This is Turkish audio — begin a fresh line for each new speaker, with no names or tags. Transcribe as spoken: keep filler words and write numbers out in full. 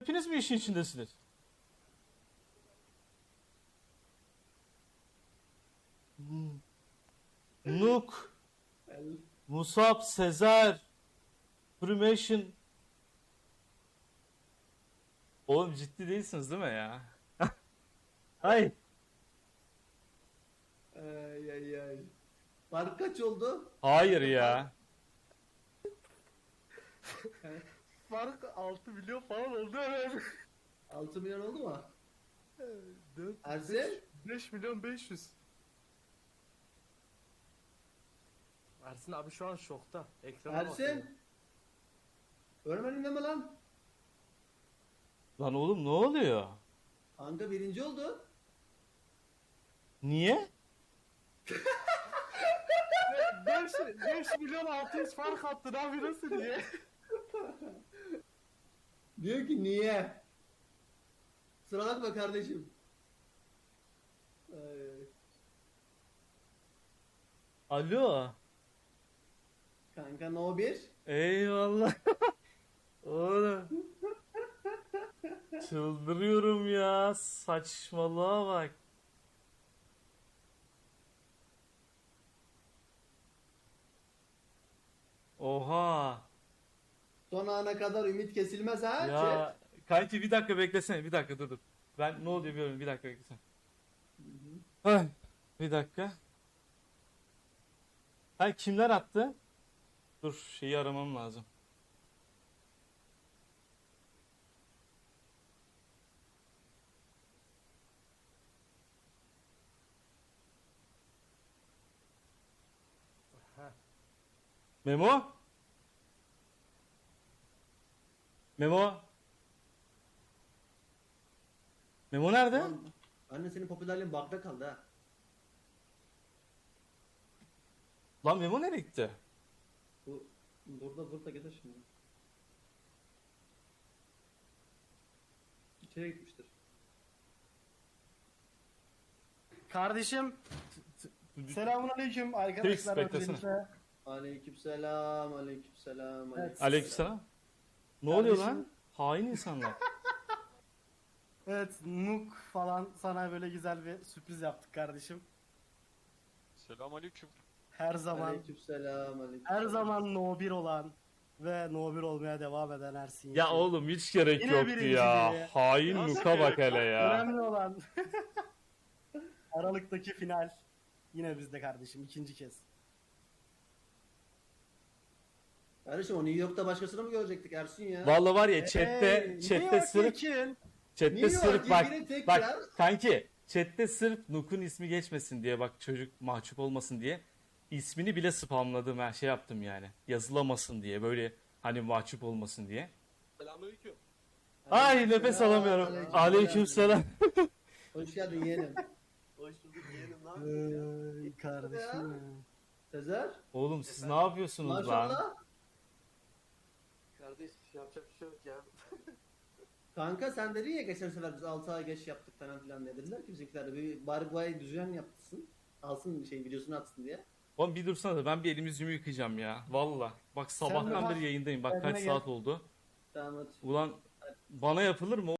Hepiniz mi işin içindesiniz? Hmm. Nuk,
El-
Musab, Sezer, Primation. Oğlum ciddi değilsiniz değil mi ya? Ay.
Ay ay ay. Fark kaç oldu?
Hayır ya.
Fark altı milyon falan oldu herhalde.
altı milyon oldu mu?
dört,
Ersin?
beş milyon beş yüz. Ersin abi şu an şokta. Ekrana bakıyor.
Ersin? Ölmedin deme lan.
Lan oğlum ne oluyor?
Kanka birinci oldu.
Niye?
beş, beş milyon altı yüz fark attın abi nasıl diye.
Diyor ki niye? Sıra bakma kardeşim. Ay, ay.
Alo.
Kanka no bir.
Eyvallah. Oğlum. Çıldırıyorum ya. Saçmalığa bak. Oha.
Son ana kadar ümit kesilmez ha.
Ya
Chat.
kanki bir dakika beklesene. Bir dakika dur dur. Ben ne oluyor bilmiyorum. Bir dakika beklesene. Ay, bir dakika. Ha kimler attı? Dur şeyi aramam lazım.
Heh.
Memo? Memo? Memo nerede?
Lan, anne senin popülerliğin bakta kaldı ha.
Lan Memo nereye gitti?
Bu burada burada gelir şimdi. İçeri gitmiştir.
Kardeşim selamun aleyküm arkadaşlar.
Fix, beklesene.
öncelikle.
Aleykümselam, aleykümselam,
Evet.
Aleykümselam. Ne oluyor
Kardeşim.
lan? Hain insanlar.
Evet Nuk falan sana böyle güzel bir sürpriz yaptık kardeşim.
Selamünaleyküm.
Her zaman
Aleykümselam, aleykümselam.
her zaman no bir olan ve no bir olmaya devam eden Ersin.
Ya
Yekin.
oğlum hiç gerek
Yine
yoktu
birinciliği.
ya. Hain
Nasıl
Luka bak
gerek
hele ya.
Önemli olan Aralık'taki final yine bizde kardeşim ikinci kez.
Kardeşim o New York'ta başkasını mı görecektik Ersin ya?
Vallahi var ya chatte
Hey,
chatte
New York
sırf
Yekin.
chatte
New York
sırf bak
ilgili tek
bak
yer-
kanki chatte sırf Nuk'un ismi geçmesin diye bak çocuk mahcup olmasın diye ismini bile spamladım her şey yaptım yani. Yazılamasın diye böyle hani mahcup olmasın diye.
Selamünaleyküm.
Ay nefes alamıyorum. Aleykümselam.
Hoş geldin yeğenim.
Hoş bulduk yeğenim ne yapıyorsun ya?
Ay kardeşim ya.
Sezer.
Oğlum siz ne yapıyorsunuz lan?
Maşallah.
Kardeş yapacak bir şey yok ya.
Kanka sen dedin ya geçen sefer biz altı ay geç yaptık falan filan diye. Dediler ki bizimkiler de bir Barguay düzen yaptırsın. Alsın şey videosunu atsın diye.
Oğlum bir dursana da ben bir elimi yüzümü yıkayacağım ya. Valla. Bak sabahtan
bak,
beri yayındayım. Bak
kendine
kaç
gel.
saat oldu.
Tamam hadi.
Ulan bana yapılır mı?